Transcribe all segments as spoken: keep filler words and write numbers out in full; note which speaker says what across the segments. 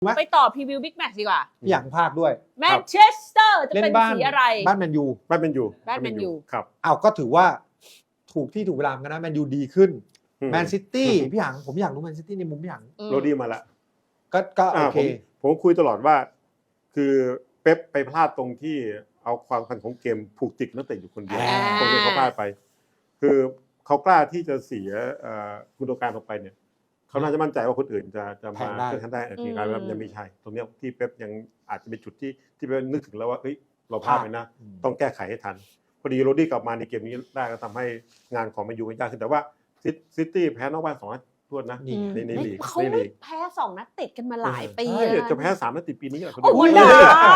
Speaker 1: ไปต่อพรีวิวบิ๊กแมตช์ดีกว่า
Speaker 2: อย่างภาคด้วย
Speaker 1: แมนเชสเตอร์จะเป็นสีอะไร
Speaker 2: บ้านแมนยู
Speaker 3: บ้านแมนยู
Speaker 1: บ้านแมนยู
Speaker 3: ครับ
Speaker 2: อ้าวก็ถือว่าถูกที่ถูกเวลากันนะแมนยูดีขึ้นแมนซิตี้พี่หยางผมอยากรู้แมนซิตี้ในมุมพี่หยาง
Speaker 3: โรดี้มาละ
Speaker 2: ก็ก็โอเค
Speaker 3: ผมคุยตลอดว่าคือเป๊ปไปพลาดตรงที่เอาความสำคัญของเกมผูกติดนักเตะอยู่คนเดียวตรงนี้เขาพลาดไปคือเขากล้าที่จะเสียกุนโดการออกไปเนี่ยเขาน่าจะมั่นใจว่าคนอื่นจะจะมาเพื่อทำได้ทีการแบบยังไม่ใช่ตรงนี้ที่เป๊ปยังอาจจะเป็นจุดที่ที่เป๊ปนึกถึงแล้วว่าเฮ้ยเราพลาดไปนะต้องแก้ไขให้ทันพอดีโรดี้กลับมาในเกมนี้ได้ก็ทำให้งานของแมนยูยากขึ้นแต่ว่าซิตี้แพ้นอกบ้านสองนัดทวนนะในในลีก
Speaker 1: เขาแพ้สองนัดติดกันมาหลายปี
Speaker 3: จะแพ้สามนัดติดปีนี้แหละ
Speaker 1: โอ้ยนะ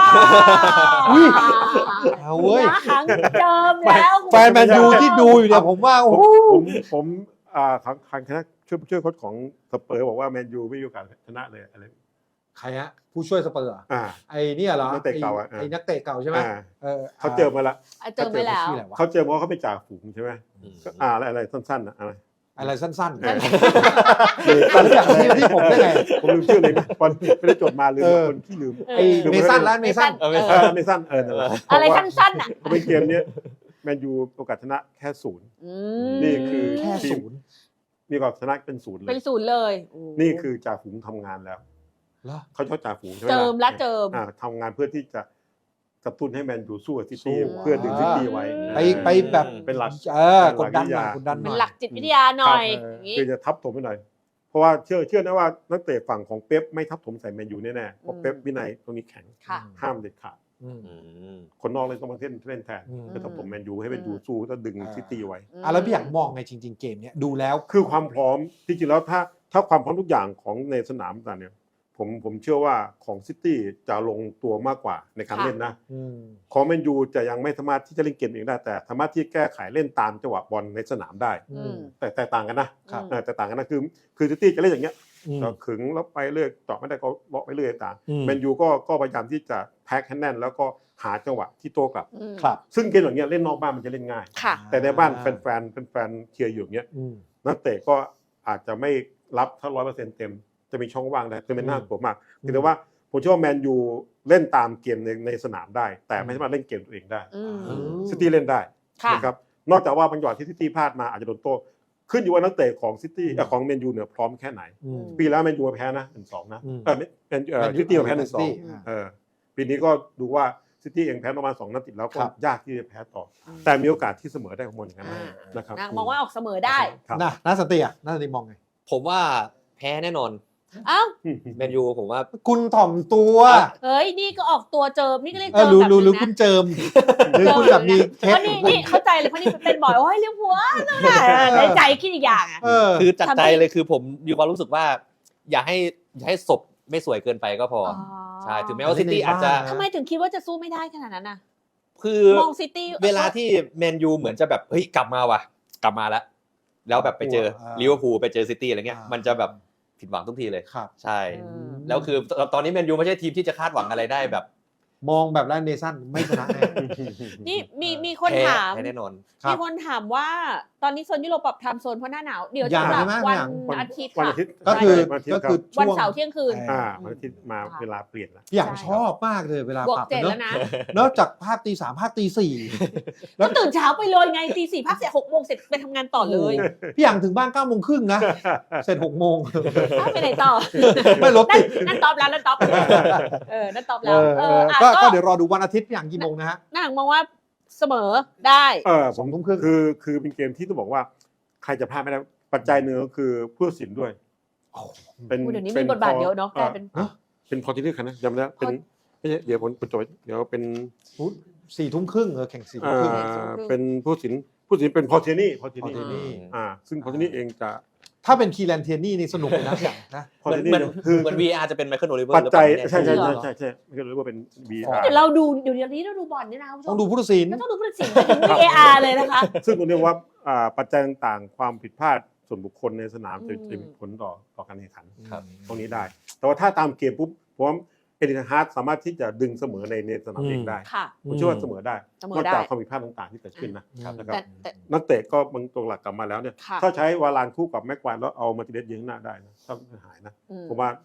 Speaker 2: เอาเว้ย
Speaker 1: ครั้งเดิมแล้ว
Speaker 2: แฟนแมนยูที่ดูอยู่เนี่ยผมว่าโอ้
Speaker 3: ผมผมอ่าทางทางคณะช่วยช่วยโค้ชของสเปอร์บอกว่าแมนยูไม่มีโอกาสชนะเลยอะไร
Speaker 2: ใครฮะผู้ช่วยสเปอร์อ่ะไอ้นี่เหรอ
Speaker 3: นักเตะเก่าอ่ะ
Speaker 2: ไอ้นักเตะเก่าใช่ไหม
Speaker 3: เขาเจอมาละ
Speaker 1: เจอไปแล้ว
Speaker 3: เขาเจอเพราะเขาไปจ่าฝูงใช่ไหมอ่าอะไรอะไรสั้นๆอะไร
Speaker 2: อะไรสั้นๆ
Speaker 3: สั้นอย่าง
Speaker 2: ที่ผมได้ไง
Speaker 3: ผมลืมชื่อเลยนะตอนไม่ได้จดมาลืมคนที่ลืม
Speaker 2: ไอ้เมซันแล้วเมซัน
Speaker 3: เออเมซันเออ
Speaker 1: อะไรสั้นๆอ่ะ
Speaker 3: เขาเป็นเกมนี้แมนยูโอกาสชนะแค่ศูนย์นี่คือ
Speaker 2: แค่ศูนย์
Speaker 3: มีโอกาสชนะเป็นศูนย์เลย
Speaker 1: เป็นศูนย์เลย
Speaker 3: นี่คือจ่าฝูงทำงานแล้วเขาชอบจ่าฝูงใช่ไหม
Speaker 1: เจิมและเจิม
Speaker 3: ทำงานเพื่อที่จะกระตุ้นให้แมนยูสู้กับซิตี้เพื่อดึงซิตี้ไว้
Speaker 2: ไปไปแบบ
Speaker 3: เป็นหลัก
Speaker 2: เออกดดันกดดัน
Speaker 1: เป็นหลักจิตวิทยาหน่อย
Speaker 3: คือจะทับถมไปหน่อยเพราะว่าเชื่อเชื่อนะว่านักเตะฝั่งของเป๊ปไม่ทับถมใส่แมนยูแน่ๆเพราะเป๊ปวินัยตรงนี้แข็งห้ามเด็ดขาดคนนอกเลยต้องมาเล่นเล่นแทนจะทับถมแมนยูให้แมนยูสู้แล้วดึงซิตี้ไว้
Speaker 2: อ่ะแล้วพี่อยากมองไงจริงๆเกมเนี้ยดูแล้ว
Speaker 3: คือความพร้อมจริงๆแล้วถ้าถ้าความพร้อมทุกอย่างของในสนามต่างเนี่ยผมผมเชื่อว่าของซิตี้จะลงตัวมากกว่าในการเล่นนะของแมนยูจะยังไม่สามารถที่จะเล่นเกมเองได้แต่สามารถที่แก้ไขเล่นตามจังหวะบอลในสนามได้แต่แตกต่างกันนะแต่ต่างกันนะคือคือซิตี้จะเล่นอย่างเงี้ยก็ขึงแล้วไปเรื่อยต่อไม่ได้ก็เลาะไปเรื่อยต่างแมนยูก็ก็พยายามที่จะแพ็คให้แน่นแล้วก็หาจังหวะที่โต้กลับซึ่งเกมอย่างเงี้ยเล่นนอกบ้านมันจะเล่นง่ายแต่ในบ้านแฟนแฟนแฟนเชียร์อยู่อย่างเงี้ยนักเตะก็อาจจะไม่รับถ้าร้อยเปอร์เซ็นต์เต็มจะมีช่องว่างได้คือเป็นน่ากลัวมากแต่ว่าผมเชื่อว่าแมนยูเล่นตามเกมในในสนามได้แต่ไม่สามารถเล่นเกมตัวเองได้ซิตี้เล่นได้นะครับนอกจากว่าบางจังหวะที่ซิตี้พลาดมาอาจจะโดนโต้ขึ้นอยู่ว่านักเตะของซิตี้ของแมนยูเนี่ยพร้อมแค่ไหนปีแล้วแมนยูแพ้นะ หนึ่งสอง นะเออซิตี้แพ้ หนึ่งสอง เออปีนี้ก็ดูว่าซิตี้เองแพ้ประมาณสองนัดติดแล้วก็ยากที่จะแพ้ต่อแต่มีโอกาสที่เสมอได้ของมันอย่างนั้นนะครับ
Speaker 1: มองว่าออกเสมอได้
Speaker 2: นะน่าสติอ่ะน่าสติมองไง
Speaker 4: ผมว่าแพ้แน่นอน
Speaker 1: อ้าว
Speaker 4: แมนยูผมว่า
Speaker 2: คุณถ่อมตัว
Speaker 1: เฮ้ยนี่ก็ออกตัวเจิมนี่ก็เรียก
Speaker 2: เจิมแบบรู้รู้คุณเจิมหรือคุณแบบมี
Speaker 1: เคสนี่นี่เข้าใจเลยเพราะนี่เป็นบ่อยโอ้ยเรียกหัวในใจคิดอีกอย่างอ่ะ
Speaker 4: คือจัดใจเลยคือผมมีความรู้สึกว่าอย่าให้อย่าให้ศพไม่สวยเกินไปก็พอใช่ถึงแม้ว่าซิตี้อาจจะ
Speaker 1: ทำไมถึงคิดว่าจะสู้ไม่ได้ขนาดนั้นน่ะ
Speaker 4: คือ
Speaker 1: มองซิตี้
Speaker 4: เวลาที่แมนยูเหมือนจะแบบเฮ้ยกลับมาว่ะกลับมาแล้วแล้วแบบไปเจอลิเวอร์พูลไปเจอซิตี้อะไรเงี้ยมันจะแบบผิดหวังทุกทีเลยใช่แล้วคือตอนนี้แมนยูไม่ใช่ทีมที่จะคาดหวังอะไรได้แบบ
Speaker 2: มองแบบแลนเดซันไม่ชนะแน่
Speaker 1: นี่มีมีคนถาม
Speaker 4: แน่นอน
Speaker 1: มีคนถามว่าตอนนี้โซนยุโรปปรับไทม์โซนเพราะหน้าหนาวเดี๋ยวจะกลับวันอาทิตย์ค่ะ
Speaker 2: ก็คือก็คือ
Speaker 1: วันเสาร์เที่ยงคืน
Speaker 3: อ่าวันอาทิตย์มาเวลาเปลี่ยนแล้ว
Speaker 2: อย่างชอบมากเลยเวลาปรับ
Speaker 1: เนอะ
Speaker 2: นอกจากภาคตีสามภาคตีสี่
Speaker 1: แล้วตื่นเช้าไปเลยไงตีสี่ภาคเสร็จหกโมงเสร็จไปทำงานต่อเลย
Speaker 2: พี่อย่างถึงบ้านเก้าโมงครึ่งนะเสร็จหกโมง
Speaker 1: ไปไหนต่อ
Speaker 2: ไม่รถติด
Speaker 1: นั่นตอบแล้วนั่นตอบเออนั่นตอบแล้ว
Speaker 2: ก็เดี๋ยวรอดูวันอาทิตย์อย่างกี่โมงนะฮะ
Speaker 1: น่าหมองว่าเสมอได้
Speaker 3: เออสองทุ่มครึ่งคือคือเป็นเกมที่ต้องบอกว่าใครจะพลาดไม่ได้ปัจจัยหนึ่งก็คือผู้ตัดสินด้วย
Speaker 1: เป็นเดี๋ยวนี้มีบทบาทเยอะเนาะกลายเป็น
Speaker 3: เป็นพอที่เลือกนะจำได้เป็นไม่ใช่เดี๋ยวผมจดเดี๋ยวเป็น
Speaker 2: สี่ทุ่มครึ่งเออแข่งสี่ทุ่มครึ่ง
Speaker 3: เป็นผู้ตัดสินผู้ตัดสินเป็นพอเทนี่พอเทนี่อ่าซึ่งพอเทนี่เองจะ
Speaker 2: ถ้าเป็นคีแลนเทียนี่นี่สนุกเลยนะอย่างนะ
Speaker 4: เหมือนเหมือนคือเหมือน วี อาร์ จะเป็นไมเคิลโอลิเวอร์
Speaker 3: ปัจจัยใช่ใช่ใช่ใช่ใช่ไมเคิลโอลิเวอร์เป็น วี อาร์
Speaker 1: เดี๋ยวเราดูเดี๋ยวนี้เราดูบอลนี่นะ
Speaker 2: ต้องดูผู้ตัดสิน
Speaker 1: ต้องดูผู้ตัดสินถึง วี เอ อาร์ เลยนะคะ
Speaker 3: ซึ่งตรงนี้ว่าปัจจัยต่างๆความผิดพลาดส่วนบุคคลในสนามจะจะมีผลต่อต่อการแข่งขันตรงนี้ได้แต่ว่าถ้าตามเกมปุ๊บผมเอริกฮาร์ดสามารถที่จะดึงเสมอในในสนามเองได้ผมเชื่อว่าเสมอได้นอกจากความผิดพลาดต่างๆที่เกิดขึ้นนะครับนักเตะก็บางตัวหลักกลับมาแล้วเนี่ยถ้าใช้วาลานคู่กับแม็กควายแล้วเอามาติเดสยิงหน้าได้นะถ้าหายนะผมว่า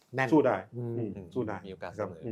Speaker 2: แน่น
Speaker 3: สู้ได้
Speaker 2: อืม
Speaker 3: อืมสู้ได้
Speaker 4: มีโอกาส
Speaker 3: ครับ
Speaker 4: เสมอ